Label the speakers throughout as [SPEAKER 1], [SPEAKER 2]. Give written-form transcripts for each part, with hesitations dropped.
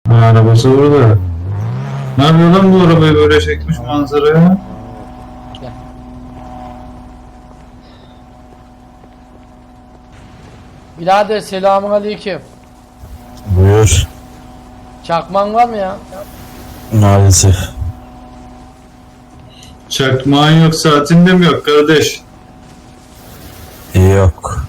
[SPEAKER 1] Arabası burada. Ne yapıyor lan bu arabayı böyle çekmiş manzaraya?
[SPEAKER 2] Gel. Birader selamun aleyküm.
[SPEAKER 3] Buyur.
[SPEAKER 2] Çakman var mı ya?
[SPEAKER 3] Maalesef.
[SPEAKER 1] Çakmağın yok, saatin de mi yok kardeş?
[SPEAKER 3] Yok.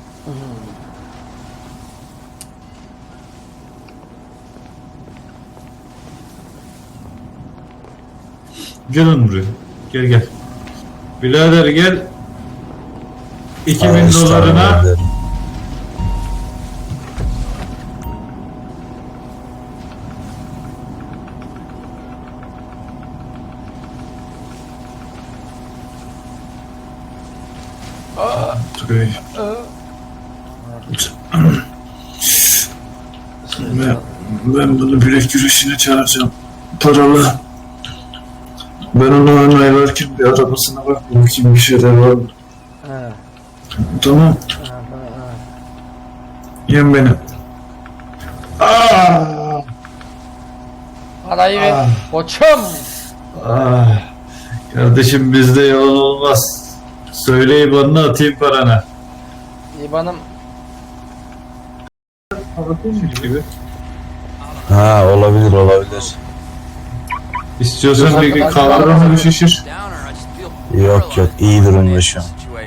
[SPEAKER 1] Gel lan buraya. Gel gel. Birader gel. 2000
[SPEAKER 3] Ağustos'ta
[SPEAKER 1] dolarına
[SPEAKER 3] ederim.
[SPEAKER 1] Tugay. Ben bunu bilek güreşine çağıracağım. Paralı. Ben onu onaylarken bir arabasına bak bakayım bir şeyler var mı?
[SPEAKER 2] He.
[SPEAKER 1] Tamam. Yem beni. Aa!
[SPEAKER 2] Parayı ver. Koçum.
[SPEAKER 1] Kardeşim bizde yalan olmaz. Söyle IBAN'ını atayım parana.
[SPEAKER 2] İban'ım.
[SPEAKER 1] Gibi.
[SPEAKER 3] Ha, olabilir.
[SPEAKER 1] İstiyorsan bir kavramı bir şişir.
[SPEAKER 3] Yok iyi durumda şu an.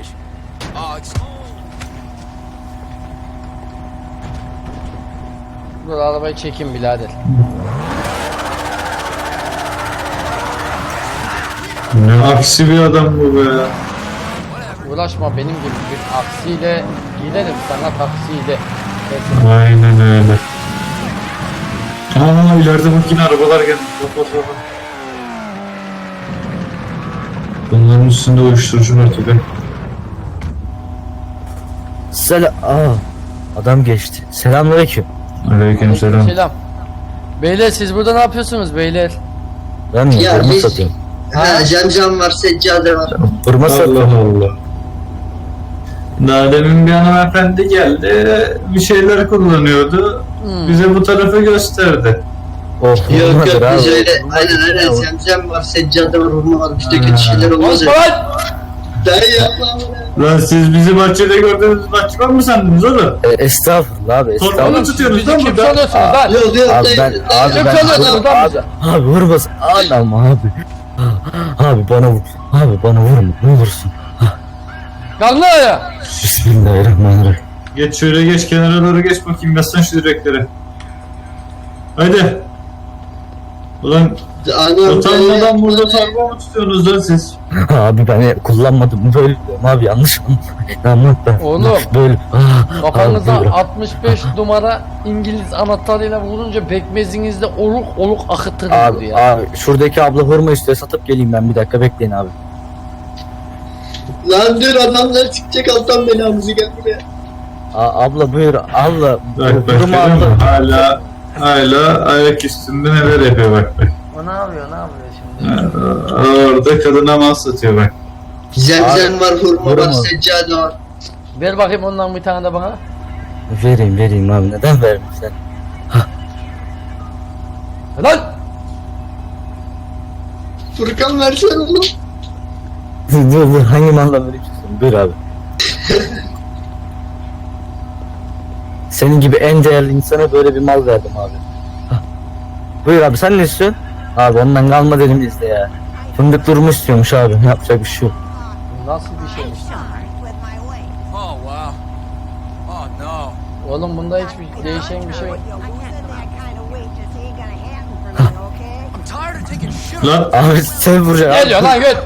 [SPEAKER 2] Dur arabayı çekeyim birader.
[SPEAKER 1] Ne aksi bir adam bu be.
[SPEAKER 2] Uğraşma benim gibi bir aksiyle giderim sana taksiyle.
[SPEAKER 1] Aynen öyle. Aa ileride bak yine arabalar geldi. Bak. Bunların üstünde uyuşturucu var tabi.
[SPEAKER 4] Adam geçti. Selamünaleyküm.
[SPEAKER 1] Aleykümselam.
[SPEAKER 2] Selam. Beyler siz burada ne yapıyorsunuz beyler?
[SPEAKER 4] Ben mi?
[SPEAKER 5] Ya
[SPEAKER 4] Hurma
[SPEAKER 5] biz-
[SPEAKER 4] satıyorum.
[SPEAKER 5] Ha, cam var, seccade var.
[SPEAKER 4] Hurma
[SPEAKER 1] Allah
[SPEAKER 4] satıyorum.
[SPEAKER 1] Allah. Daha demin bir hanımefendi geldi. Bir şeyler kullanıyordu. Bize bu tarafı gösterdi.
[SPEAKER 4] Oh,
[SPEAKER 5] Yok
[SPEAKER 4] hurmadır
[SPEAKER 5] yok biz
[SPEAKER 4] abi.
[SPEAKER 5] öyle aynen cam var, seccade var, hurma var. Bizde kötü şeyler olmaz
[SPEAKER 2] Konuşma
[SPEAKER 5] ya.
[SPEAKER 2] lan!
[SPEAKER 5] Dayı yapma.
[SPEAKER 1] Lan siz bizi bahçede gördüğünüz bahçıvan mı sandınız oğlum?
[SPEAKER 4] Estağfurullah abi,
[SPEAKER 1] Torbalı
[SPEAKER 4] estağfurullah.
[SPEAKER 1] tutuyorsunuz
[SPEAKER 2] Bizi
[SPEAKER 1] lan
[SPEAKER 2] kim
[SPEAKER 1] burada.
[SPEAKER 2] sanıyorsunuz lan?
[SPEAKER 5] Yok yok
[SPEAKER 4] Abi
[SPEAKER 5] dayı.
[SPEAKER 4] ben, abi
[SPEAKER 2] Kim
[SPEAKER 4] ben,
[SPEAKER 2] sanıyorsunuz lan bizi?
[SPEAKER 4] abi vurmasın. Anam abi. Abi bana vur. Abi bana vurma. Ne olursun.
[SPEAKER 2] Kalkın ya!
[SPEAKER 4] Bismillahirrahmanirrahim.
[SPEAKER 1] Geç şöyle geç kenara doğru geç bakayım yazsan şu direkleri. Haydi. Ulan
[SPEAKER 5] Anam
[SPEAKER 1] utanmadan burada torba mı tutuyorsunuz lan siz?
[SPEAKER 4] Abi ben kullanmadım böyle diyorum abi, yanlış mı? Anlat ben.
[SPEAKER 2] Oğlum.
[SPEAKER 4] Böyle.
[SPEAKER 2] Kafanıza
[SPEAKER 4] Abi,
[SPEAKER 2] 65 numara İngiliz anahtarıyla vurunca pekmezinizde oluk oluk akıtır
[SPEAKER 4] Abi,
[SPEAKER 2] ya.
[SPEAKER 4] abi şuradaki abla hurma istiyor, satıp geleyim ben, bir dakika bekleyin abi.
[SPEAKER 5] Lan dur adamlar çıkacak alttan belamızı gel buraya.
[SPEAKER 4] Abla buyur abla.
[SPEAKER 1] Bak
[SPEAKER 4] Hurma abla.
[SPEAKER 1] hala ayak üstünde neler yapıyor bak.
[SPEAKER 2] O ne yapıyor şimdi?
[SPEAKER 1] Orada kadına mal satıyor bak.
[SPEAKER 5] Zemzem var, hurma var,
[SPEAKER 4] hurma.
[SPEAKER 5] seccade var.
[SPEAKER 2] Ver bakayım ondan bir tane de bana.
[SPEAKER 4] Vereyim abi, neden vermem sen?
[SPEAKER 2] Lan!
[SPEAKER 5] Furkan versene oğlum.
[SPEAKER 4] Dur hangi malla vereceksin? Buyur abi. Senin gibi en değerli insana böyle bir mal verdim abi. Hah. Buyur abi, sen ne istiyorsun? Abi ondan kalma dedim bizde ya. Fındık durumu istiyormuş abi, yapacak bir şey yok.
[SPEAKER 2] Nasıl bir şeymiş?
[SPEAKER 6] Oh wow. Oh no.
[SPEAKER 2] Oğlum bunda hiçbir değişen bir şey yok.
[SPEAKER 6] I'm tired of taking shit.
[SPEAKER 1] Lan
[SPEAKER 4] Abi sen vuracaksın
[SPEAKER 2] Geliyor lan göt!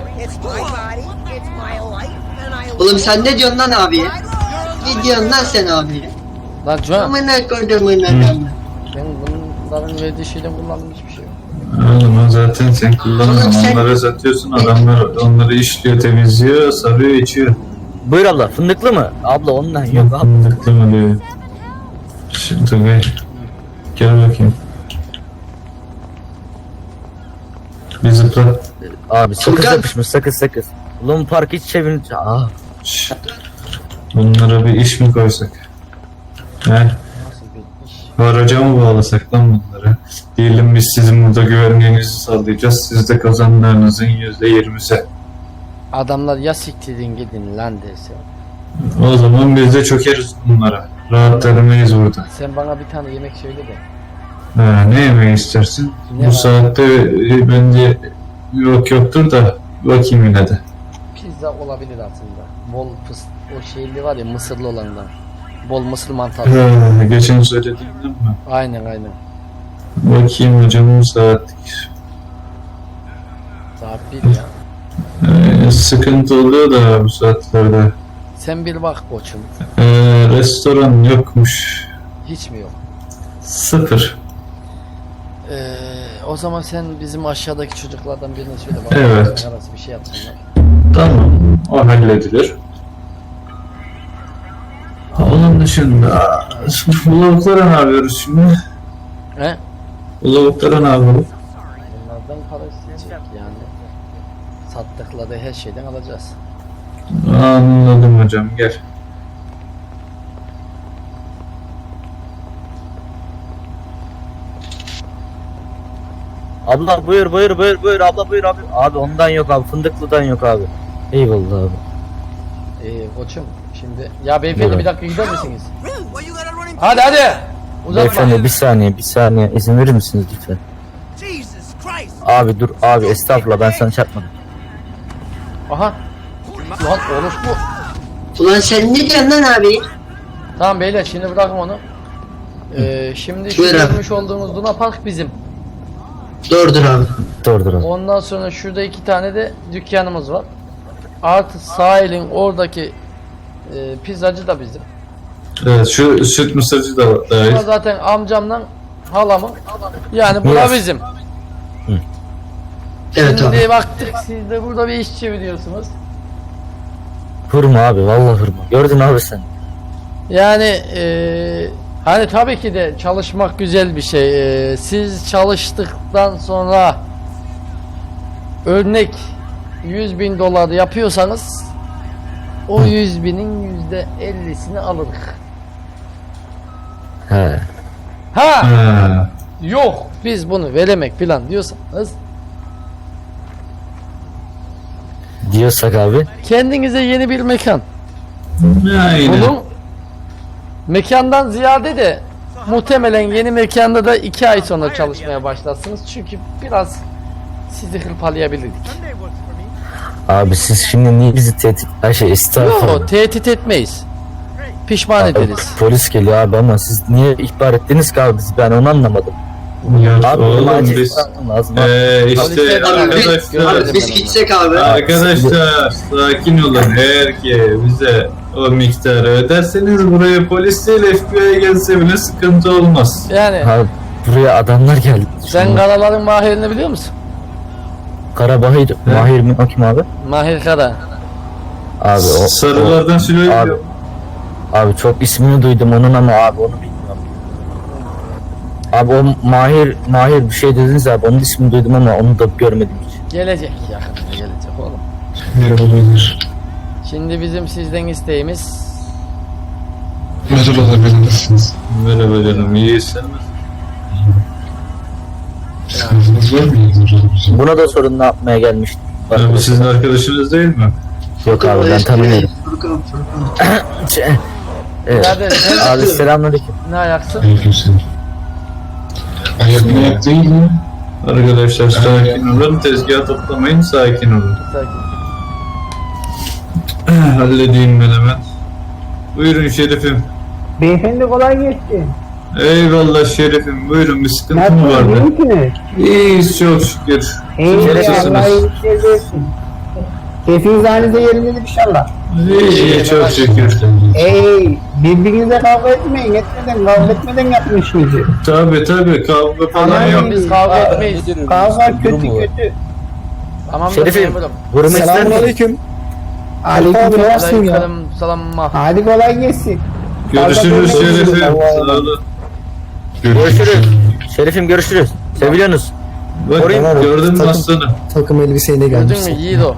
[SPEAKER 5] Oğlum sen ne diyorsun lan abiye? Ne diyorsun lan sen abiye?
[SPEAKER 2] Lan Can,
[SPEAKER 5] Amına koyduğumun adamı.
[SPEAKER 2] ben bunların verdiği şeyden kullandığım hiçbir şey yok.
[SPEAKER 1] oğlum zaten sen kullanıyorsun onlara satıyorsun adamlar onları işliyor temizliyor sarıyor içiyor.
[SPEAKER 4] Buyur abla, fındıklı mı? Abla ondan yok abi.
[SPEAKER 1] Fındıklı mı diyor. Şimdi gel bakayım. Bir zıpla.
[SPEAKER 4] Abi sakız
[SPEAKER 5] Furkan.
[SPEAKER 4] yapışmış, sakız. Ulan park hiç çevirince.
[SPEAKER 1] Şşt. Bunlara bir iş mi koysak? He?
[SPEAKER 2] Nasıl bir iş?
[SPEAKER 1] Haraca mı bağlasak lan bunları? Diyelim biz sizin burada güvenliğinizi sağlayacağız. Siz de kazanlarınızın %20'si.
[SPEAKER 2] Adamlar ya siktirin gidin lan dese.
[SPEAKER 1] O zaman biz de çökeriz bunlara. Rahat edemeyiz burada.
[SPEAKER 2] Sen bana bir tane yemek söyle de.
[SPEAKER 1] Ha, ne yemeği istersin?
[SPEAKER 2] Ne
[SPEAKER 1] Bu
[SPEAKER 2] var?
[SPEAKER 1] saatte bence yoktur da bakayım yine de.
[SPEAKER 2] Pizza olabilir aslında. Bol o şeyli var ya mısırlı olandan. Bol mısır mantarı.
[SPEAKER 1] Ha, geçen söylediğimden mi?
[SPEAKER 2] Aynen aynen.
[SPEAKER 1] Bakayım hocam, bu saat.
[SPEAKER 2] Saat 1 ya.
[SPEAKER 1] Sıkıntı oluyor da bu saatlerde.
[SPEAKER 2] Sen bir bak koçum.
[SPEAKER 1] Restoran yokmuş.
[SPEAKER 2] Hiç mi yok?
[SPEAKER 1] 0.
[SPEAKER 2] O zaman sen bizim aşağıdaki çocuklardan birine söyle bak.
[SPEAKER 1] Evet.
[SPEAKER 2] Arası bir şey yapsınlar.
[SPEAKER 1] Tamam. O halledilir. Onun dışında bu lavuklara ne yapıyoruz şimdi?
[SPEAKER 2] He?
[SPEAKER 1] Bu lavuklara ne yapalım?
[SPEAKER 2] Bunlardan para isteyecek yani. Sattıkları her şeyden alacağız.
[SPEAKER 1] Anladım hocam, gel.
[SPEAKER 4] Abla buyur abla buyur abi. Abi ondan yok abi, fındıklıdan yok abi. Eyvallah abi.
[SPEAKER 2] Koçum şimdi ya beyefendi
[SPEAKER 4] Buyurun.
[SPEAKER 2] bir dakika gider misiniz?
[SPEAKER 6] Really? Why you gotta run in?
[SPEAKER 2] Hadi hadi. Uzatma.
[SPEAKER 4] Beyefendi bir saniye izin verir misiniz lütfen?
[SPEAKER 6] Jesus Christ!
[SPEAKER 4] Abi dur abi, estağfurullah, ben sana çarpmadım.
[SPEAKER 2] Aha. Lan orospu.
[SPEAKER 5] Ulan sen ne diyorsun lan abi?
[SPEAKER 2] Tamam beyler şimdi bırakın onu. Şimdi şu
[SPEAKER 5] Buyur abi.
[SPEAKER 2] görmüş olduğunuz Luna Park bizim.
[SPEAKER 5] Doğrudur abi.
[SPEAKER 4] Dur abi.
[SPEAKER 2] Ondan sonra şurada 2 tane de dükkanımız var. Artı sahilin oradaki pizzacı da bizim.
[SPEAKER 1] Evet, şu süt mısırcı da dahil.
[SPEAKER 2] Ama zaten amcamla halamın. Yani bu da
[SPEAKER 4] Miras.
[SPEAKER 2] bizim.
[SPEAKER 5] Evet abi.
[SPEAKER 2] Şimdi baktık siz de burada bir iş çeviriyorsunuz.
[SPEAKER 4] Hırma abi, vallahi hırma. Gördün abi sen.
[SPEAKER 2] Yani hani tabii ki de çalışmak güzel bir şey. Siz çalıştıktan sonra örnek 100.000 dolar yapıyorsanız o 100.000'in %50'sini alırız.
[SPEAKER 4] He.
[SPEAKER 2] Ha
[SPEAKER 1] Ha.
[SPEAKER 2] yok biz bunu veremek falan diyorsanız
[SPEAKER 4] Diyorsak abi.
[SPEAKER 2] kendinize yeni bir mekan
[SPEAKER 1] Aynen.
[SPEAKER 2] bulun. Mekandan ziyade de muhtemelen yeni mekanda da 2 ay sonra çalışmaya başlarsınız. Çünkü biraz sizi hırpalayabilirdik.
[SPEAKER 4] Abi siz şimdi niye bizi tehdit... estağfurullah.
[SPEAKER 2] Yok tehdit etmeyiz. Pişman
[SPEAKER 4] Abi,
[SPEAKER 2] ederiz.
[SPEAKER 4] polis geliyor abi ama siz niye ihbar ettiniz ki abi bizi, ben onu anlamadım.
[SPEAKER 1] Ya
[SPEAKER 4] Abi benim
[SPEAKER 1] oğlum
[SPEAKER 4] acil
[SPEAKER 1] biz
[SPEAKER 4] yapmam lazım.
[SPEAKER 1] işte
[SPEAKER 2] Polise de-
[SPEAKER 1] arkadaşlar
[SPEAKER 5] Abi biz gitsek abi.
[SPEAKER 1] arkadaşlar sakin olun. Eğer ki bize o miktarı öderseniz buraya polis değil FBI gelse bile sıkıntı olmaz.
[SPEAKER 2] Yani
[SPEAKER 4] Abi buraya adamlar geldi.
[SPEAKER 2] sen Karaların Mahir'ini biliyor musun?
[SPEAKER 4] Karabahir, Mahir mi? O kim abi?
[SPEAKER 2] Mahir Kara.
[SPEAKER 4] Abi o...
[SPEAKER 1] Sarılardan söylüyorum.
[SPEAKER 4] Abi çok ismini duydum onun ama abi onu bilmiyorum. Abi o Mahir bir şey dediniz abi, onun ismini duydum ama onu da görmedim hiç.
[SPEAKER 2] Gelecek yakında gelecek oğlum.
[SPEAKER 1] Merhabalar.
[SPEAKER 2] Şimdi bizim sizden isteğimiz
[SPEAKER 1] Merhabalar, nasılsınız? Merhaba canım, iyisin.
[SPEAKER 4] Buna da sorun ne yapmaya gelmiştim.
[SPEAKER 1] Bu sizin arkadaşınız değil mi?
[SPEAKER 4] Yok abi ben tanımıyorum.
[SPEAKER 5] Furkan.
[SPEAKER 4] Evet.
[SPEAKER 2] birader sen
[SPEAKER 4] Abi selamünaleyküm.
[SPEAKER 2] ne ayaksın?
[SPEAKER 1] Ayak değil mi? Arkadaşlar sakin olun, tezgah toplamayın, sakin olun.
[SPEAKER 2] Sakin.
[SPEAKER 1] Halledeyim ben hemen. Buyurun şerifim.
[SPEAKER 7] Beyefendi kolay gelsin.
[SPEAKER 1] Eyvallah şerifim, buyurun, bir sıkıntı mı vardı?
[SPEAKER 7] Nasılsınız?
[SPEAKER 1] İyiyiz çok şükür.
[SPEAKER 7] İyi
[SPEAKER 1] Nasılsınız?
[SPEAKER 7] Allah iyilikler versin. Keyfiniz halinize yerindedir inşallah.
[SPEAKER 1] İyi çok şükür.
[SPEAKER 7] Birbirinize kavga etmeyin. Kavga etmeden yapın işinizi.
[SPEAKER 1] Tabi kavga falan
[SPEAKER 7] Aman
[SPEAKER 1] yok.
[SPEAKER 2] Biz kavga etmeyiz.
[SPEAKER 7] Kavga kötü.
[SPEAKER 2] Tamam da
[SPEAKER 4] Şerifim,
[SPEAKER 2] memurum.
[SPEAKER 4] vurma ister misin?
[SPEAKER 7] Selamünaleyküm. Aleyküm ya.
[SPEAKER 2] Selam.
[SPEAKER 7] Hadi kolay gelsin.
[SPEAKER 1] Görüşürüz
[SPEAKER 7] Kavga
[SPEAKER 1] şerifim.
[SPEAKER 7] etmeyin.
[SPEAKER 1] Sağ olun.
[SPEAKER 4] Görüşürüz. Şerifim görüşürüz. Seviliyorsunuz.
[SPEAKER 1] Bak gördün mü aslanı?
[SPEAKER 8] Takım elbiseyle
[SPEAKER 2] Gördün mü
[SPEAKER 8] gelmişsin.
[SPEAKER 2] Yiğido?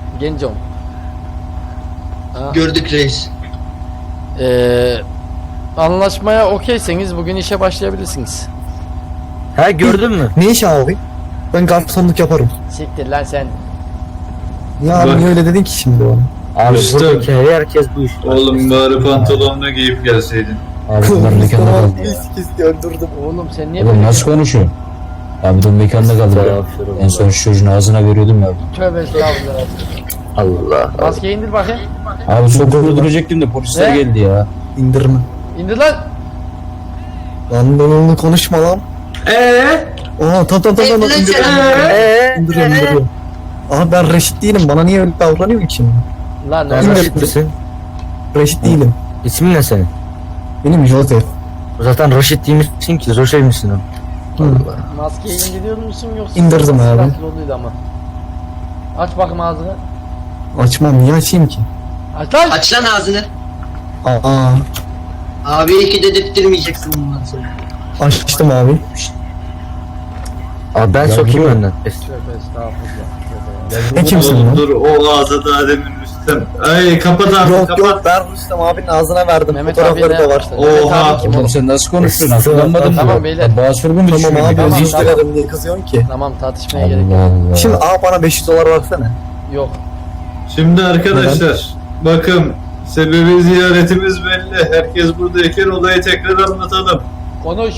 [SPEAKER 2] Gencom.
[SPEAKER 5] Gördük reis.
[SPEAKER 2] anlaşmaya okeyseniz bugün işe başlayabilirsiniz.
[SPEAKER 4] Ha gördün mü?
[SPEAKER 8] Ne iş abi? Ben garsonluk yaparım.
[SPEAKER 2] Siktir lan sen.
[SPEAKER 8] Ya abi
[SPEAKER 1] Bak.
[SPEAKER 8] niye öyle dedin ki şimdi bana?
[SPEAKER 4] Abi
[SPEAKER 3] Üstüm.
[SPEAKER 4] buradaki herkes bu iş.
[SPEAKER 1] Oğlum bari pantolonunu giyip gelseydin.
[SPEAKER 3] Abi bunlar mekanda kaldı ya.
[SPEAKER 8] Kesti öldürdüm.
[SPEAKER 2] Oğlum sen niye
[SPEAKER 3] Oğlum
[SPEAKER 2] böyle
[SPEAKER 3] nasıl konuşuyorsun? Abi de mekanda kaldı ya. En son şu çocuğun ağzına veriyordum ya.
[SPEAKER 2] tövbe estağfurullah.
[SPEAKER 4] Allah.
[SPEAKER 2] Maskeyi indir bakayım.
[SPEAKER 3] Abi sokakta duracaktım da polisler
[SPEAKER 2] Ne?
[SPEAKER 3] geldi ya.
[SPEAKER 8] İndirme.
[SPEAKER 2] İndir lan.
[SPEAKER 8] Lan onu konuşma lan. Aa tamam
[SPEAKER 5] Lan sen
[SPEAKER 8] indiriyorum. Aha ben reşit değilim. Bana niye öyle davranıyorsun ki şimdi?
[SPEAKER 2] Lan
[SPEAKER 4] Sen
[SPEAKER 2] oğlum.
[SPEAKER 4] Raşit misin?
[SPEAKER 8] Reşit değilim.
[SPEAKER 4] İsmin ne senin?
[SPEAKER 8] Benim Joseph.
[SPEAKER 4] Zaten Raşit değil misin ki? Roşey misin o?
[SPEAKER 2] Maskeyi indiriyor musun yoksa?
[SPEAKER 8] İndirdim abi.
[SPEAKER 2] Nasıl oluyordu ama. Aç bakayım ağzını.
[SPEAKER 8] Açmam niye açayım ki?
[SPEAKER 2] Aç lan.
[SPEAKER 5] Aç lan ağzını.
[SPEAKER 8] Aa
[SPEAKER 5] Abi iki dedirttirmeyeceksin bundan sonra.
[SPEAKER 8] açtım abi.
[SPEAKER 4] Abi ben
[SPEAKER 3] Ya
[SPEAKER 4] sokayım
[SPEAKER 3] bro.
[SPEAKER 4] önden.
[SPEAKER 2] Tövbe estağfurullah.
[SPEAKER 8] Ne kimsin
[SPEAKER 1] Oğlum
[SPEAKER 8] lan?
[SPEAKER 1] dur o ağza daha demin Rüstem. Ay kapat abi
[SPEAKER 8] Yok
[SPEAKER 1] kapat.
[SPEAKER 8] yok ben Rüstem abinin ağzına verdim.
[SPEAKER 2] Mehmet abi
[SPEAKER 8] Fotoğrafları da var.
[SPEAKER 2] Mehmet
[SPEAKER 1] Oha.
[SPEAKER 2] abi kim
[SPEAKER 3] Oğlum
[SPEAKER 2] oğlum?
[SPEAKER 3] sen nasıl konuştun? Akıllanmadın mı?
[SPEAKER 2] Tamam beyler.
[SPEAKER 3] Bağış mu
[SPEAKER 8] Tamam
[SPEAKER 3] düşünüyorsun?
[SPEAKER 8] abi
[SPEAKER 2] Tamam,
[SPEAKER 8] özür
[SPEAKER 2] tamam.
[SPEAKER 8] dilerim diye kızıyorsun ki.
[SPEAKER 2] Tamam tartışmaya gerek yok.
[SPEAKER 3] Allah Allah.
[SPEAKER 8] Şimdi bana 500 dolar versene.
[SPEAKER 2] Yok.
[SPEAKER 1] Şimdi arkadaşlar bakın sebebi ziyaretimiz belli. Herkes buradayken olayı tekrar anlatalım.
[SPEAKER 2] Konuş.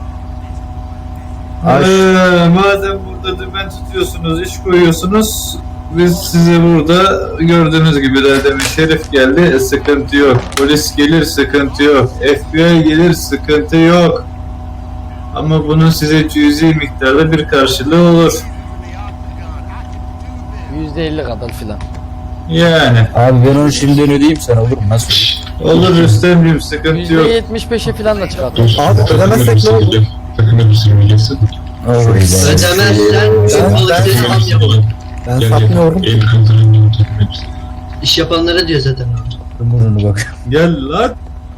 [SPEAKER 1] Madem burada dümen tutuyorsunuz, iş koyuyorsunuz, biz size burada gördüğünüz gibi daha demin Şerif geldi, sıkıntı yok. Polis gelir, sıkıntı yok. FBI gelir, sıkıntı yok. Ama bunun size cüzi miktarda bir karşılığı olur.
[SPEAKER 2] %50 kadar filan.
[SPEAKER 1] Yani.
[SPEAKER 3] Abi ben onu şimdiden ödeyeyim sana olur mu? Nasıl olur?
[SPEAKER 1] Olur Rüstemciğim, sıkıntı yok.
[SPEAKER 2] %75'e filan da çıkartır.
[SPEAKER 8] Abi ödemezsek ne olur?
[SPEAKER 5] Ödemezsen
[SPEAKER 8] Ben-
[SPEAKER 5] balıkçı
[SPEAKER 8] ben-
[SPEAKER 5] falan yapalım.
[SPEAKER 8] Ben satmıyorum.
[SPEAKER 5] İş yapanlara diyor zaten.
[SPEAKER 3] Burnunu bak.
[SPEAKER 1] Gel lan.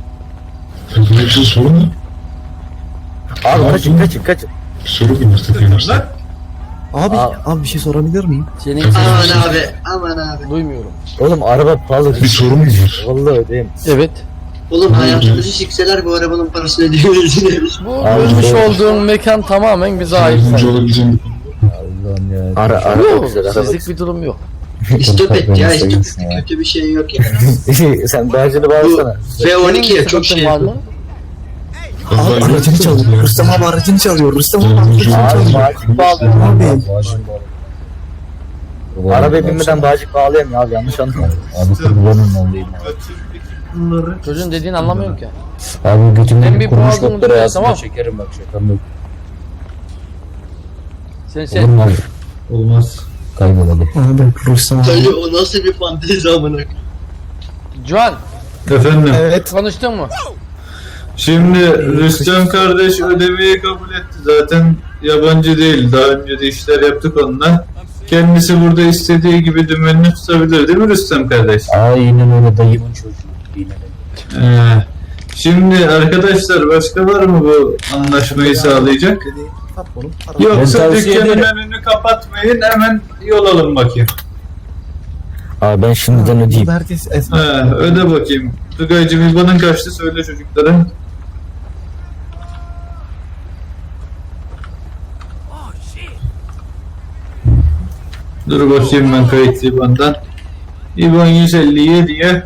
[SPEAKER 4] Abi kaçın.
[SPEAKER 1] Lan.
[SPEAKER 8] Abi,
[SPEAKER 4] Aa.
[SPEAKER 8] abi bir şey sorabilir miyim?
[SPEAKER 2] Senin
[SPEAKER 5] Aman abi, aman abi.
[SPEAKER 2] duymuyorum.
[SPEAKER 4] Oğlum araba pahalı. Bir sorun mu var? Vallahi ödeyeyim.
[SPEAKER 2] Evet.
[SPEAKER 5] Oğlum hayatımızı sikseler bu arabanın parasını ödeyemeyeceğiz.
[SPEAKER 2] Bu
[SPEAKER 4] Abi,
[SPEAKER 2] görmüş
[SPEAKER 4] doğru.
[SPEAKER 2] olduğun mekan tamamen bize ait.
[SPEAKER 3] Allah'ım ya.
[SPEAKER 4] Araba
[SPEAKER 2] Yok,
[SPEAKER 4] güzel araba.
[SPEAKER 2] sizlik bir durum yok.
[SPEAKER 5] İstop et ya, istop et.
[SPEAKER 3] Ya.
[SPEAKER 5] Kötü bir şey yok ya.
[SPEAKER 4] Sen bağcını
[SPEAKER 5] Bu
[SPEAKER 4] bağlasana.
[SPEAKER 5] V12 ya çok
[SPEAKER 2] Sıkıntın
[SPEAKER 5] şey.
[SPEAKER 2] var mı?
[SPEAKER 8] Abi aracını çalıyor. Rüstem abi aracını çalıyor. Rüstem abi aracını
[SPEAKER 4] Abi
[SPEAKER 8] çalıyor.
[SPEAKER 4] bağcık bağlıyor.
[SPEAKER 8] Abi.
[SPEAKER 3] Bağışın bağlı.
[SPEAKER 4] Arabaya binmeden bağcık bağlayamıyor abi yanlış anlama.
[SPEAKER 3] Abi kurbanın olayım.
[SPEAKER 2] Çocuğun dediğini anlamıyorum ki.
[SPEAKER 3] Abi
[SPEAKER 2] Ben
[SPEAKER 3] götümden
[SPEAKER 2] bir
[SPEAKER 3] kurmuş
[SPEAKER 2] boğazımı
[SPEAKER 3] noktaları
[SPEAKER 2] duruyor,
[SPEAKER 3] ağzına
[SPEAKER 2] tamam.
[SPEAKER 3] çekerim bak şakam yok.
[SPEAKER 2] Sen
[SPEAKER 3] Olur mu abi?
[SPEAKER 1] Olmaz.
[SPEAKER 3] Kaybolalım.
[SPEAKER 8] Abi Rüstem abi.
[SPEAKER 5] Dayı o nasıl bir fantezi amına.
[SPEAKER 2] Juan
[SPEAKER 1] Efendim.
[SPEAKER 8] Evet.
[SPEAKER 2] konuştun mu?
[SPEAKER 1] Şimdi Rüstem kardeş ödemeyi kabul etti. Zaten yabancı değil. Daha önce de işler yaptık onunla. Kendisi burada istediği gibi dümenini tutabilir değil mi Rüstem kardeş?
[SPEAKER 3] Aynen öyle dayımın çocuğu. Aynen öyle.
[SPEAKER 1] Şimdi arkadaşlar başka var mı bu anlaşmayı sağlayacak?
[SPEAKER 8] Sat bunu.
[SPEAKER 1] Yoksa
[SPEAKER 3] Ben tavsiye
[SPEAKER 1] dükkanın
[SPEAKER 3] ederim.
[SPEAKER 1] önünü kapatmayın hemen yol alın bakayım.
[SPEAKER 4] Abi ben şimdiden ödeyeyim.
[SPEAKER 8] Herkes
[SPEAKER 1] Öde bakayım. Tugaycığım İBAN'ın kaçtı söyle çocuklara.
[SPEAKER 6] Oh shit.
[SPEAKER 1] Dur bakayım ben kayıtlı İBAN'dan. İBAN 157'ye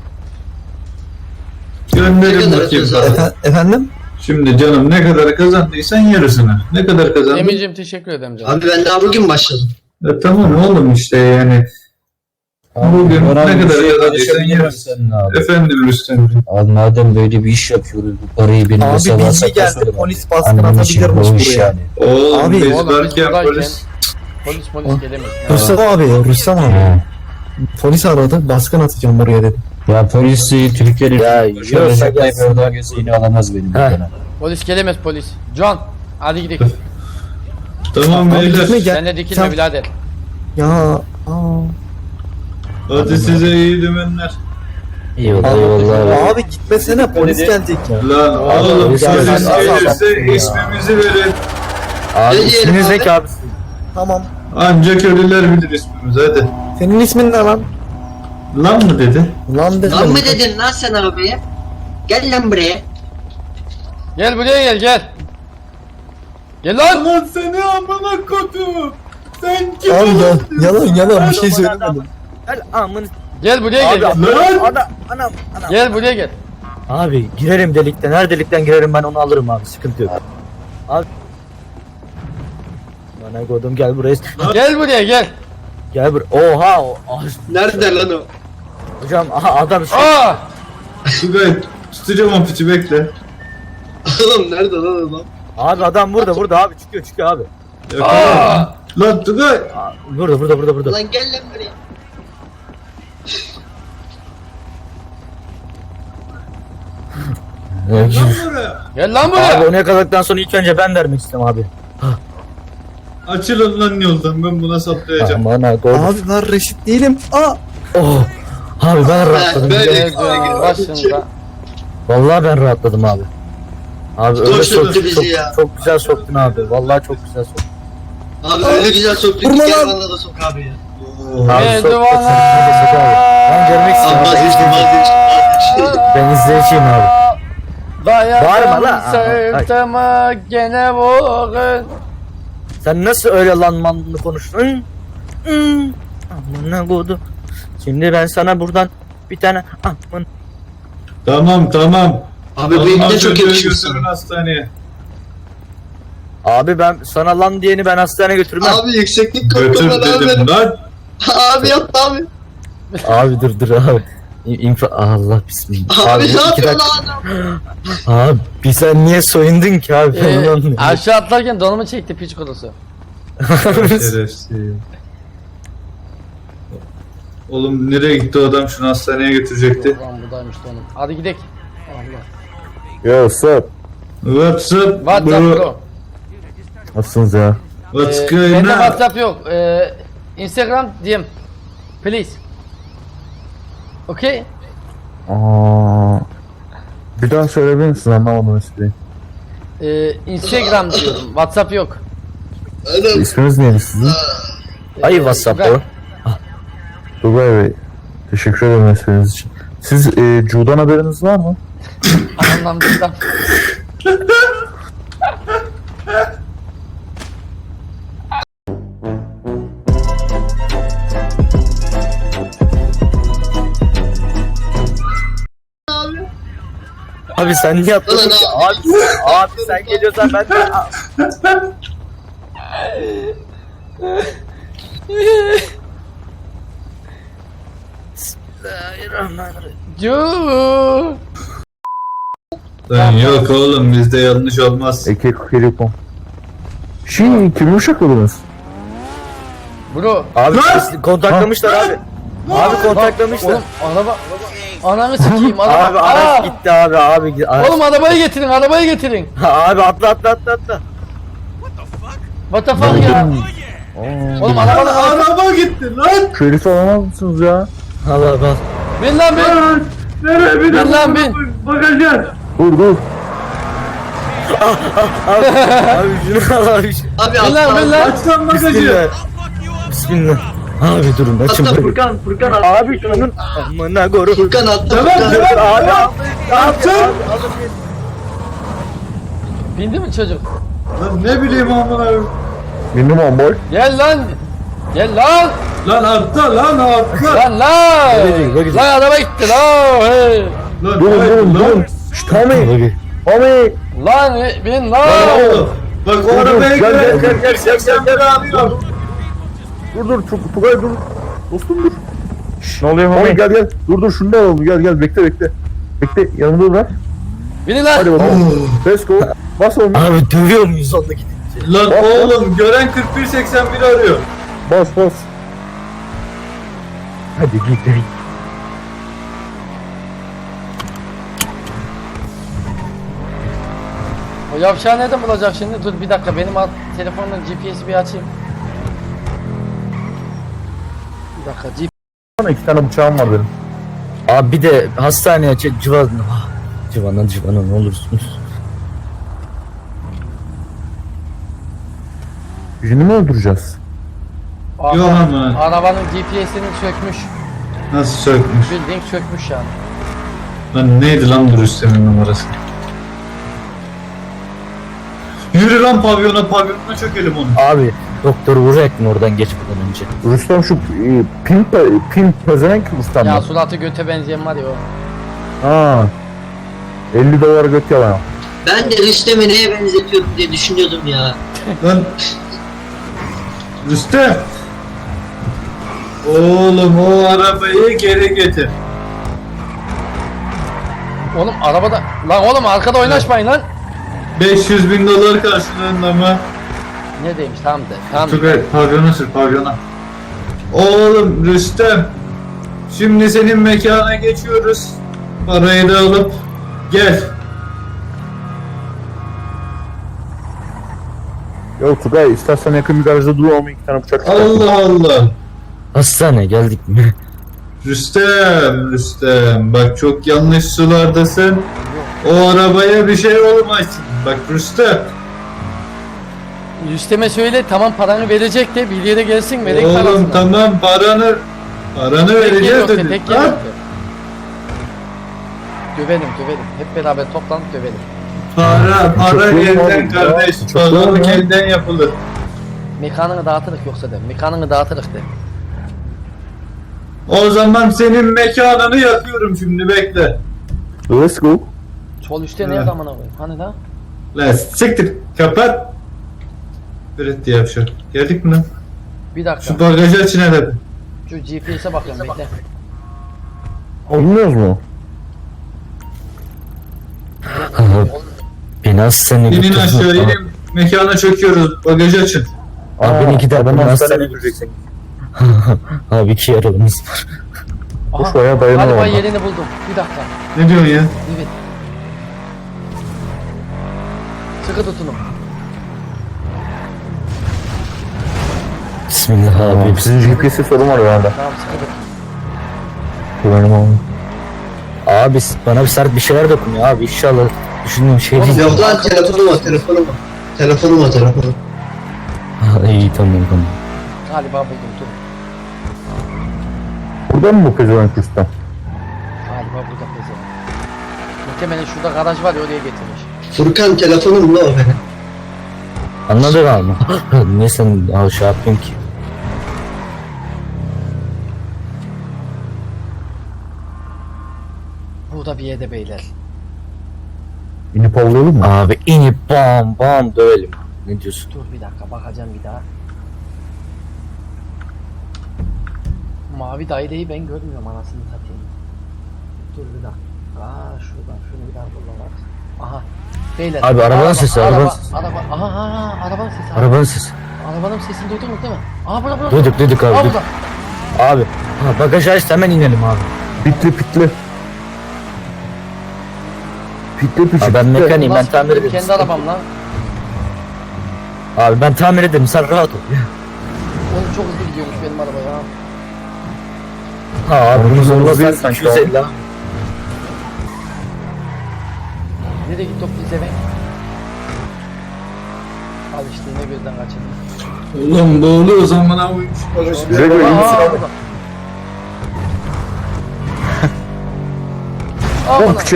[SPEAKER 1] gönderin
[SPEAKER 5] Ne kadar
[SPEAKER 1] bakayım.
[SPEAKER 5] kazandın?
[SPEAKER 1] bana.
[SPEAKER 8] Efendim?
[SPEAKER 1] Şimdi canım ne kadar kazandıysan yarısını. Ne kadar kazandın?
[SPEAKER 2] Emir'cim teşekkür ederim canım.
[SPEAKER 5] Abi ben daha bugün başladım.
[SPEAKER 1] Tamam oğlum işte yani. Bugün
[SPEAKER 3] Bana
[SPEAKER 1] ne
[SPEAKER 3] bir
[SPEAKER 1] kadar
[SPEAKER 3] şey
[SPEAKER 1] kazandıysan
[SPEAKER 3] konuşabilir
[SPEAKER 1] yarısını.
[SPEAKER 3] misin abi?
[SPEAKER 1] Efendim Rüstem'ciğim.
[SPEAKER 3] Abi madem böyle bir iş yapıyoruz bu parayı benim
[SPEAKER 8] Abi
[SPEAKER 3] hesaba
[SPEAKER 8] bilgi
[SPEAKER 3] sakla
[SPEAKER 8] geldi.
[SPEAKER 3] söyle.
[SPEAKER 8] Polis baskın
[SPEAKER 3] Annemin için
[SPEAKER 8] atabilirmiş
[SPEAKER 3] bu iş
[SPEAKER 8] buraya.
[SPEAKER 3] yani.
[SPEAKER 1] Oğlum
[SPEAKER 8] Abi,
[SPEAKER 1] biz
[SPEAKER 2] Oğlum biz
[SPEAKER 1] varken
[SPEAKER 2] buradayken
[SPEAKER 1] polis...
[SPEAKER 2] polis gelemez.
[SPEAKER 8] Rüstem abi, Rüstem abi.
[SPEAKER 3] Ha.
[SPEAKER 8] Polis aradı. Baskın atacağım buraya dedi.
[SPEAKER 3] Ya polisi Türkiye'nin
[SPEAKER 4] Ya,
[SPEAKER 3] Recep
[SPEAKER 4] yiyorsa
[SPEAKER 3] Tayyip
[SPEAKER 4] gelsin.
[SPEAKER 3] Erdoğan gelse yine alamaz benim
[SPEAKER 4] Ha.
[SPEAKER 3] dükkana.
[SPEAKER 2] Polis gelemez polis. John hadi gidelim.
[SPEAKER 1] Tamam
[SPEAKER 8] Abi
[SPEAKER 1] beyler.
[SPEAKER 8] gitme gel.
[SPEAKER 2] Sen de dikilme
[SPEAKER 8] Sen-
[SPEAKER 2] birader.
[SPEAKER 8] Ya. Aa.
[SPEAKER 1] Hadi size iyi dümenler.
[SPEAKER 4] Eyvallah eyvallah.
[SPEAKER 8] Abi gitmesene polis gelecek ya.
[SPEAKER 1] Lan oğlum
[SPEAKER 4] polis
[SPEAKER 1] polis
[SPEAKER 4] gelmez.
[SPEAKER 1] gelirse
[SPEAKER 4] Ya.
[SPEAKER 1] ismimizi verin.
[SPEAKER 4] Abi
[SPEAKER 5] Ne
[SPEAKER 4] isminiz
[SPEAKER 5] diyelim
[SPEAKER 4] ne
[SPEAKER 5] abi?
[SPEAKER 4] ki abi?
[SPEAKER 8] Tamam.
[SPEAKER 1] Ancak ölüler bilir ismimizi hadi.
[SPEAKER 8] Senin ismin ne lan?
[SPEAKER 1] Lan mı dedi?
[SPEAKER 8] Lan dedim.
[SPEAKER 5] Lan mı dedin lan sen abiye? Gel lan buraya.
[SPEAKER 2] Gel buraya gel gel. Gel lan.
[SPEAKER 1] Lan seni amına kodum. Sen kim
[SPEAKER 8] Abi
[SPEAKER 1] olasın?
[SPEAKER 8] yalan bir şey söylemedim.
[SPEAKER 4] Gel amın.
[SPEAKER 2] Gel buraya gel.
[SPEAKER 4] Abi
[SPEAKER 2] gel.
[SPEAKER 1] Lan!
[SPEAKER 4] anam.
[SPEAKER 2] Gel buraya gel.
[SPEAKER 4] Abi girerim delikten. Her delikten girerim ben onu alırım abi. Sıkıntı yok. Abi. Bana kodum gel buraya.
[SPEAKER 2] Gel buraya gel.
[SPEAKER 4] Gel buraya. Oha.
[SPEAKER 5] Nerede lan o?
[SPEAKER 4] Hocam aha adam şu.
[SPEAKER 2] Aa!
[SPEAKER 1] Tugay tutacağım o piçi bekle.
[SPEAKER 5] Oğlum nerede lan adam?
[SPEAKER 4] Abi adam burada abi çıkıyor abi.
[SPEAKER 1] Yakala. Lan Tugay.
[SPEAKER 4] Aa, burada.
[SPEAKER 5] Lan gel lan buraya.
[SPEAKER 1] Lan buraya.
[SPEAKER 2] Gel lan
[SPEAKER 4] Abi
[SPEAKER 2] buraya.
[SPEAKER 4] onu yakaladıktan sonra ilk önce ben vermek istedim abi.
[SPEAKER 1] Açılın lan yoldan, ben buna saplayacağım.
[SPEAKER 4] Aman ha doğru.
[SPEAKER 8] Abi ben reşit değilim. Aa.
[SPEAKER 4] Oh. Abi ben rahatladım.
[SPEAKER 5] böyle-
[SPEAKER 2] Gel başında.
[SPEAKER 4] Vallahi ben rahatladım abi. Abi öyle
[SPEAKER 5] Çok
[SPEAKER 4] soktun
[SPEAKER 5] soktu bizi
[SPEAKER 4] çok,
[SPEAKER 5] ya.
[SPEAKER 4] çok güzel soktun abi. Vallahi çok güzel soktun.
[SPEAKER 5] Abi öyle güzel soktun ki
[SPEAKER 8] Vurma
[SPEAKER 5] gel
[SPEAKER 8] lan.
[SPEAKER 5] bana da sok abi ya.
[SPEAKER 4] Abi
[SPEAKER 2] Gel
[SPEAKER 4] sok, sok,
[SPEAKER 2] duvana.
[SPEAKER 4] sok abi. Ben görmek
[SPEAKER 5] Abi
[SPEAKER 4] istiyorum.
[SPEAKER 5] vazgeçtim.
[SPEAKER 4] Ben izleyeceğim abi. Bağırma
[SPEAKER 2] Dayadım
[SPEAKER 4] lan.
[SPEAKER 2] sırtımı gene vurun.
[SPEAKER 4] Sen nasıl öyle lanmanlı konuştun? Amına kodu. Şimdi ben sana buradan bir tane aman.
[SPEAKER 1] Tamam.
[SPEAKER 5] Abi bu ipne çok yakışıyor
[SPEAKER 1] götürün
[SPEAKER 5] sana.
[SPEAKER 1] hastaneye.
[SPEAKER 4] Abi ben sana lan diyeni ben hastaneye götürmem.
[SPEAKER 5] Abi yükseklik
[SPEAKER 1] Götür
[SPEAKER 5] korkum var abi
[SPEAKER 1] dedim
[SPEAKER 5] benim.
[SPEAKER 1] lan.
[SPEAKER 5] Abi yapma abi.
[SPEAKER 4] Abi dur abi. Allah bismillah.
[SPEAKER 5] Abi ne
[SPEAKER 4] iki
[SPEAKER 5] yapıyor
[SPEAKER 4] dakika.
[SPEAKER 5] lan adam?
[SPEAKER 4] Abi sen niye soyundun ki abi? Ben onu anlamıyorum.
[SPEAKER 2] Aşağı atlarken donumu çekti piç kurusu.
[SPEAKER 1] Şerefsiz. Oğlum nereye gitti o adam, şunu hastaneye götürecekti.
[SPEAKER 2] Ulan buradaymış donum. Hadi gidelim. Allah.
[SPEAKER 3] Yo sup.
[SPEAKER 1] WhatsApp
[SPEAKER 2] WhatsApp
[SPEAKER 1] bro.
[SPEAKER 2] bro.
[SPEAKER 3] Nasılsınız ya?
[SPEAKER 1] What's
[SPEAKER 2] Bende
[SPEAKER 1] going on?
[SPEAKER 2] WhatsApp yok. Instagram DM. Please. Okay?
[SPEAKER 3] Aa, bir daha söyleyebilir misin? Anlamadım ismini.
[SPEAKER 2] Instagram diyorum. WhatsApp yok.
[SPEAKER 5] Adam.
[SPEAKER 3] İsminiz neydi sizin?
[SPEAKER 4] Ay WhatsApp'ta o.
[SPEAKER 3] Tugay Bey. Teşekkür ederim isminiz için. Siz Cu'dan haberiniz var mı?
[SPEAKER 2] Anlamda.
[SPEAKER 4] Abi sen niye atladın ki?
[SPEAKER 5] Ulan
[SPEAKER 4] Abi sen geliyorsan ben de... Bismillahirrahmanirrahim.
[SPEAKER 2] Yoo.
[SPEAKER 1] Lan yok oğlum, bizde yanlış olmaz.
[SPEAKER 3] Eke Telekom. Kimi uşakladınız?
[SPEAKER 2] Bro.
[SPEAKER 4] Abi
[SPEAKER 1] Lan!
[SPEAKER 4] kontaklamışlar abi. Abi kontaklamışlar.
[SPEAKER 2] Oğlum araba. Ananı sikeyim araba.
[SPEAKER 4] Abi araç gitti abi.
[SPEAKER 2] Oğlum arabayı getirin.
[SPEAKER 4] Abi atla.
[SPEAKER 2] What the fuck ya? Oğlum
[SPEAKER 1] Lan
[SPEAKER 2] arabanın
[SPEAKER 1] araba gitti lan.
[SPEAKER 3] Şerif alamaz mısınız ya?
[SPEAKER 4] Allah.
[SPEAKER 2] bin lan bin.
[SPEAKER 1] Nereye bir
[SPEAKER 2] Bin lan bin.
[SPEAKER 1] Bakacağız.
[SPEAKER 3] Dur.
[SPEAKER 4] Abi şunu al abi.
[SPEAKER 5] Abi
[SPEAKER 2] Bin lan bin
[SPEAKER 5] atla.
[SPEAKER 2] lan.
[SPEAKER 1] Aç lan bagajı.
[SPEAKER 4] Bismillah. Bismillah. Abi durun açın
[SPEAKER 5] Atla
[SPEAKER 4] bakayım.
[SPEAKER 5] Furkan atla.
[SPEAKER 4] Abi şunun amına koru.
[SPEAKER 5] Furkan atla
[SPEAKER 1] Tamam,
[SPEAKER 5] Furkan.
[SPEAKER 1] tamam.
[SPEAKER 4] Abi
[SPEAKER 1] Atın.
[SPEAKER 2] Bindi mi çocuk?
[SPEAKER 1] Lan ne bileyim amına koyayım.
[SPEAKER 3] Bindim on boy.
[SPEAKER 2] Gel lan.
[SPEAKER 1] Lan atla lan atla.
[SPEAKER 2] Lan.
[SPEAKER 4] Bagajı.
[SPEAKER 2] Lan araba gitti lan. Hey.
[SPEAKER 1] Lan
[SPEAKER 3] Durun.
[SPEAKER 1] lan.
[SPEAKER 3] Şşt Tommy. Tommy.
[SPEAKER 2] Lan bin
[SPEAKER 1] Lan
[SPEAKER 2] lan.
[SPEAKER 1] oğlum. Bak o arabaya
[SPEAKER 3] Gel,
[SPEAKER 1] gel. 81 arıyor.
[SPEAKER 3] Dur. Tugay dur. Dostum dur. Ne oluyor Tommy? Gel. Dur şunu da alalım. Gel bekle. Bekle yanımda bırak.
[SPEAKER 2] Binin lan.
[SPEAKER 3] Hadi bakalım. Let's go. Bas oğlum.
[SPEAKER 4] Abi dövüyor muyuz onda gidince?
[SPEAKER 1] Lan oğlum gören 4181 arıyor.
[SPEAKER 3] Bas. Hadi git.
[SPEAKER 2] O yavşağı nereden bulacak şimdi? Dur bir dakika benim telefonun GPS'i bir açayım. Bir dakika
[SPEAKER 3] Bana 2 tane bıçağım var benim.
[SPEAKER 4] Abi bir de hastaneye Civana ne olursunuz.
[SPEAKER 3] Birini mi öldüreceğiz?
[SPEAKER 1] Yok ama.
[SPEAKER 2] Arabanın GPS'ini sökmüş.
[SPEAKER 1] Nasıl sökmüş?
[SPEAKER 2] Bildiğin sökmüş yani.
[SPEAKER 1] Lan neydi lan bu Rüstem'in numarası? Yürü lan pavyona çökelim onu.
[SPEAKER 4] Abi doktor vuracaktın oradan geçmeden önce.
[SPEAKER 3] Rüstem şu pimp pezevenk Rüstem
[SPEAKER 2] Ya
[SPEAKER 3] mi?
[SPEAKER 2] suratı göte benzeyen var ya o.
[SPEAKER 3] Ha. 50 dolar göt yalan.
[SPEAKER 5] Ben de Rüstem'i neye benzetiyorum diye düşünüyordum ya.
[SPEAKER 1] Lan Rüstem. Oğlum o arabayı geri getir.
[SPEAKER 2] Oğlum arabada... Lan oğlum arkada oynaşmayın lan.
[SPEAKER 1] 500.000 dolar karşılığında mı?
[SPEAKER 2] Ne demiş tamam de. Tamam de.
[SPEAKER 1] Tugay pavyona sür pavyona. Oğlum Rüstem. Şimdi senin mekana geçiyoruz. Parayı da alıp gel.
[SPEAKER 3] Yok Tugay istersen yakın bir garajda dur ama 2 tane bıçak çıkar.
[SPEAKER 1] Allah Allah.
[SPEAKER 4] Hastane geldik mi?
[SPEAKER 1] Rüstem bak çok yanlış sulardasın. O arabaya bir şey olmasın. Bak Rüstem.
[SPEAKER 2] Rüstem'e söyle tamam paranı verecek de bir yere gelsin melek
[SPEAKER 1] Oğlum
[SPEAKER 2] parasını.
[SPEAKER 1] tamam paranı
[SPEAKER 2] Tek yer
[SPEAKER 1] vereceğiz
[SPEAKER 2] yok de,
[SPEAKER 1] dedi.
[SPEAKER 2] tek yer
[SPEAKER 1] Lan,
[SPEAKER 2] yok de. Dövelim. Hep beraber toplanıp dövelim.
[SPEAKER 1] para
[SPEAKER 3] Çok iyi
[SPEAKER 1] elden
[SPEAKER 3] abi,
[SPEAKER 1] kardeş.
[SPEAKER 3] çok iyi
[SPEAKER 1] Pazarlık
[SPEAKER 3] ya.
[SPEAKER 1] elden yapılır.
[SPEAKER 2] Mekanını dağıtırık yoksa de. Mekanını dağıtırık de.
[SPEAKER 1] O zaman senin mekanını yakıyorum şimdi bekle.
[SPEAKER 3] Let's go.
[SPEAKER 2] Sol üstte ne
[SPEAKER 1] Evet.
[SPEAKER 2] zamana koyayım? Hani da?
[SPEAKER 1] Lan siktir kapat. Üret diye yapışır. Geldik mi lan?
[SPEAKER 2] Bir dakika.
[SPEAKER 1] Şu bagajı açın hele.
[SPEAKER 2] Şu GPS'e bakıyorum bekle.
[SPEAKER 3] Olmuyoruz mu?
[SPEAKER 4] Beni hastaneye
[SPEAKER 1] İnin
[SPEAKER 4] götürdün.
[SPEAKER 1] aşağı inin. Mekana çöküyoruz. Bagajı açın.
[SPEAKER 4] Abi beni gider
[SPEAKER 3] adamı
[SPEAKER 4] beni
[SPEAKER 3] hastaneye
[SPEAKER 4] hastaneye
[SPEAKER 3] götüreceksin.
[SPEAKER 4] Abi 2 yaralımız var.
[SPEAKER 3] Boş bayağı dayanamam
[SPEAKER 2] Galiba
[SPEAKER 3] ben.
[SPEAKER 2] yerini buldum. Bir dakika.
[SPEAKER 1] Ne diyorsun ya?
[SPEAKER 2] Evet. Sıkı tutunum.
[SPEAKER 4] Bismillah abi.
[SPEAKER 3] Sizin GPS'e sorun var herhalde.
[SPEAKER 2] Tamam sıkı tutun.
[SPEAKER 3] Güvenim abi.
[SPEAKER 4] Abi bana bir sert bir şeyler dokunuyor abi inşallah düşündüğüm şey değil.
[SPEAKER 5] Yok lan telefonum var.
[SPEAKER 4] Ha, iyi tamam.
[SPEAKER 2] Galiba buldum dur.
[SPEAKER 3] Burada mı bu pezevenk Rüstem?
[SPEAKER 2] Galiba burada pezevenk. Muhtemelen şurada garaj var ya oraya getirmiş.
[SPEAKER 5] Furkan telefonum ne o benim?
[SPEAKER 4] Anladın ama. Niye sen şey yapıyorsun ki?
[SPEAKER 2] Burada bir yerde beyler.
[SPEAKER 3] İnip avlayalım mı?
[SPEAKER 4] Abi inip bam bam dövelim. Ne diyorsun?
[SPEAKER 2] Dur bir dakika bakacağım bir daha. Mavi daireyi ben görmüyorum anasını satayım. Dur bir dakika. Şuradan şunu bir daha kullanalım. Aha. Beyler.
[SPEAKER 4] Abi, arabanın sesi, arabanın sesi.
[SPEAKER 2] Arabanın sesi.
[SPEAKER 4] Arabanın sesi.
[SPEAKER 2] Arabanın sesini duydunuz değil mi? Aha burada.
[SPEAKER 4] Duyduk abi.
[SPEAKER 2] Aa,
[SPEAKER 4] Duyduk.
[SPEAKER 2] burada.
[SPEAKER 4] Abi. Ha, bagajı aç hemen inelim abi.
[SPEAKER 3] Pitli. Pitli.
[SPEAKER 4] Abi ben mekaniğim ben
[SPEAKER 2] Nasıl
[SPEAKER 4] tamir ederim.
[SPEAKER 2] kendi arabam lan.
[SPEAKER 4] Abi ben tamir ederim sen rahat ol.
[SPEAKER 2] Oğlum çok hızlı gidiyormuş benim araba ya.
[SPEAKER 4] Ha abi bunu
[SPEAKER 3] Onu
[SPEAKER 4] zorlasan
[SPEAKER 3] zorlasan sanki
[SPEAKER 4] 250 abi.
[SPEAKER 2] Nereye gitti o bize be? Al işte yine gözden kaçırdım.
[SPEAKER 1] Oğlum boğuluyor zaman avuymuş bagajı.
[SPEAKER 3] Güzel iyi misin
[SPEAKER 2] Aa,
[SPEAKER 3] abi?
[SPEAKER 2] burada. Aa,
[SPEAKER 3] Lan
[SPEAKER 2] bana.
[SPEAKER 3] piçi.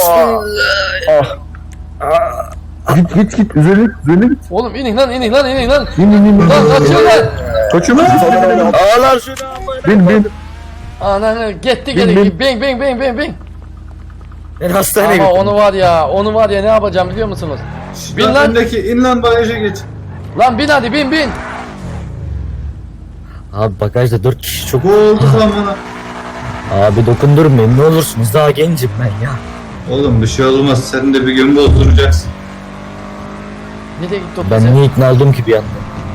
[SPEAKER 3] Git. Üzerine git.
[SPEAKER 2] Oğlum inin lan.
[SPEAKER 3] İn.
[SPEAKER 2] Lan kaçıyor lan.
[SPEAKER 3] Kaçıyor mu?
[SPEAKER 4] Ağlar şunu.
[SPEAKER 3] Bin.
[SPEAKER 2] Ana gitti
[SPEAKER 3] Bin,
[SPEAKER 2] geri. Bing.
[SPEAKER 4] Ben hastaneye
[SPEAKER 2] Ama
[SPEAKER 4] götürdüm.
[SPEAKER 2] onu var ya ne yapacağım biliyor musunuz? Bin
[SPEAKER 1] Lan
[SPEAKER 2] lan.
[SPEAKER 1] öndeki in lan bagaja geç.
[SPEAKER 2] Lan bin hadi bin.
[SPEAKER 4] Abi bagajda 4 kişi çok.
[SPEAKER 1] Boğulduk lan bana.
[SPEAKER 4] Abi dokundurmayın ne olursunuz daha gencim ben ya.
[SPEAKER 1] Oğlum bir şey olmaz sen de bir gün bozduracaksın.
[SPEAKER 2] Nereye gitti o
[SPEAKER 4] Ben
[SPEAKER 2] bize?
[SPEAKER 4] niye ikna oldum ki bir anda?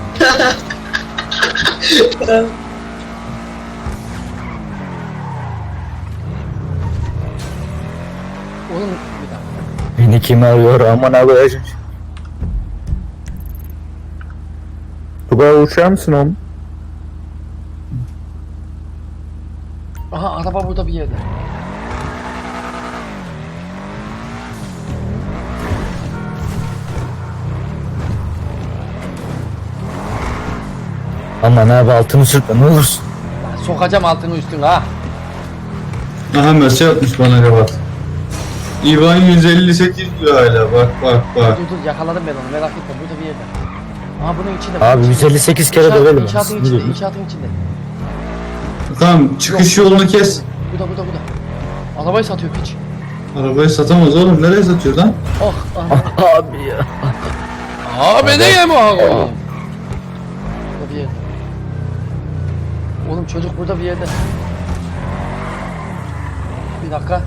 [SPEAKER 2] Oğlum bir dakika.
[SPEAKER 4] Beni kim arıyor aman abi.
[SPEAKER 3] Tugay uçar mısın oğlum?
[SPEAKER 2] Aha araba burada bir yerde.
[SPEAKER 4] Aman abi altını sürtme ne olursun.
[SPEAKER 2] Lan sokacağım altını üstüne ha.
[SPEAKER 1] Aha mesaj atmış bana kapat. İvan 158 diyor hala. Bak bak bak.
[SPEAKER 2] Dur yakaladım ben onu merak etme burada bir yerde. Aha bunun içinde.
[SPEAKER 4] Abi
[SPEAKER 2] bunun içinde.
[SPEAKER 4] 158 kere
[SPEAKER 2] İnşaat-
[SPEAKER 4] dövelim.
[SPEAKER 2] İnşaatın içinde, inşaatın içinde.
[SPEAKER 1] Tamam çıkış
[SPEAKER 2] Yok,
[SPEAKER 1] yolunu kes.
[SPEAKER 2] Bu da. Arabayı satıyor piç.
[SPEAKER 1] Arabayı satamaz oğlum. Nereye satıyor lan?
[SPEAKER 2] Oh.
[SPEAKER 4] Abi ya.
[SPEAKER 2] Abi ne yeme abi? Burada bir yerde. Oğlum çocuk burada bir yerde. Bir dakika.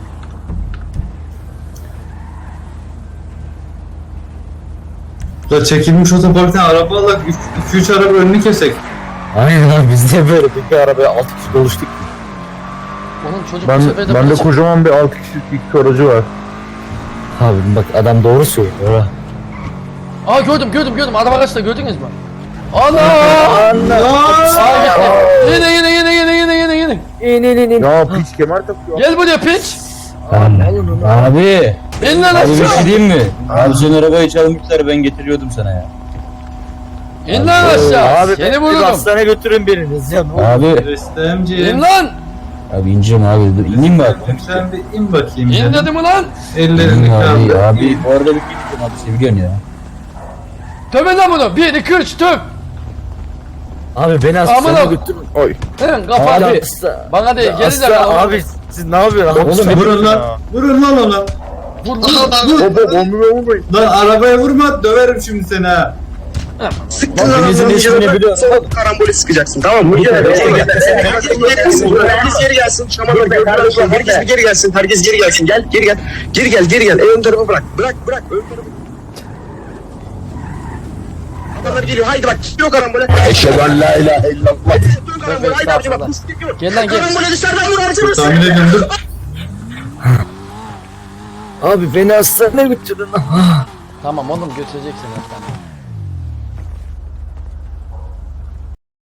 [SPEAKER 1] Da çekilmiş otoparktan araba alak 2-3 araba önünü kesek.
[SPEAKER 4] Aynen abi biz niye böyle bir arabaya 6 kişi doluştuk ki?
[SPEAKER 2] Oğlum çocuk bu sefer de
[SPEAKER 3] Bende
[SPEAKER 2] burada
[SPEAKER 3] kocaman bir 6 kişilik iki aracı var.
[SPEAKER 4] Abi bak adam doğru söylüyor ha.
[SPEAKER 2] Aa gördüm. Araba kaçta gördünüz mü? Ana! Yine.
[SPEAKER 3] Ya piç kemer takıyor.
[SPEAKER 2] Gel buraya piç.
[SPEAKER 9] Abi,
[SPEAKER 2] İn lan
[SPEAKER 9] abi bir şey
[SPEAKER 2] aşağı.
[SPEAKER 9] diyeyim mi? Abi senin arabayı çalmışlar, ben getiriyordum sana ya.
[SPEAKER 2] İn lan aşağı.
[SPEAKER 4] Abi
[SPEAKER 2] Seni
[SPEAKER 4] bir
[SPEAKER 2] vururum.
[SPEAKER 4] hastaneye götürün biriniz ya. Ne olur.
[SPEAKER 9] Abi,
[SPEAKER 1] Rüstemciğim.
[SPEAKER 2] İn lan.
[SPEAKER 9] abi ineceğim abi, dur ineyim mi abi?
[SPEAKER 1] Sen bir in bakayım.
[SPEAKER 2] İn
[SPEAKER 1] canım.
[SPEAKER 2] dedim ulan.
[SPEAKER 1] Ellerini
[SPEAKER 9] İneyim abi,
[SPEAKER 1] kaldır.
[SPEAKER 9] abi bu arada bir gideceğim abi, seviyorsun ya.
[SPEAKER 2] Töbe lan bunu. 1, 2, 3 töp.
[SPEAKER 4] Abi beni
[SPEAKER 2] Aman
[SPEAKER 4] hastaneye
[SPEAKER 2] abi.
[SPEAKER 4] götürün.
[SPEAKER 2] Hemen kapat.
[SPEAKER 4] Abi,
[SPEAKER 2] Bana değil geri de
[SPEAKER 4] hasta, abi siz ne yapıyorsunuz?
[SPEAKER 9] Oğlum,
[SPEAKER 1] Vurun lan. Vurun lan ona.
[SPEAKER 2] Vur.
[SPEAKER 3] Hop olmuyor.
[SPEAKER 1] Lan arabaya vurma döverim şimdi seni ha.
[SPEAKER 9] Hepinizin ismini biliyorum.
[SPEAKER 7] Karambole sıkacaksın tamam mı? Herkes geri gelsin. Şamanlar herkes geri gelsin. Herkes geri gelsin. Geri gel. Ön tarafı bırak. Bırak. Ön tarafı. Adamlar geliyor. Haydi bak. Yok karambole. Eşhedü en la ilahe illallah. Dön karambole. Haydi abicim bak.
[SPEAKER 2] Gel lan gel.
[SPEAKER 7] Karambole dışarıdan vur abicim.
[SPEAKER 1] Tahmin ediyorum dur.
[SPEAKER 4] Abi beni hastaneye götürün.
[SPEAKER 2] Tamam oğlum götüreceksin hastaneye.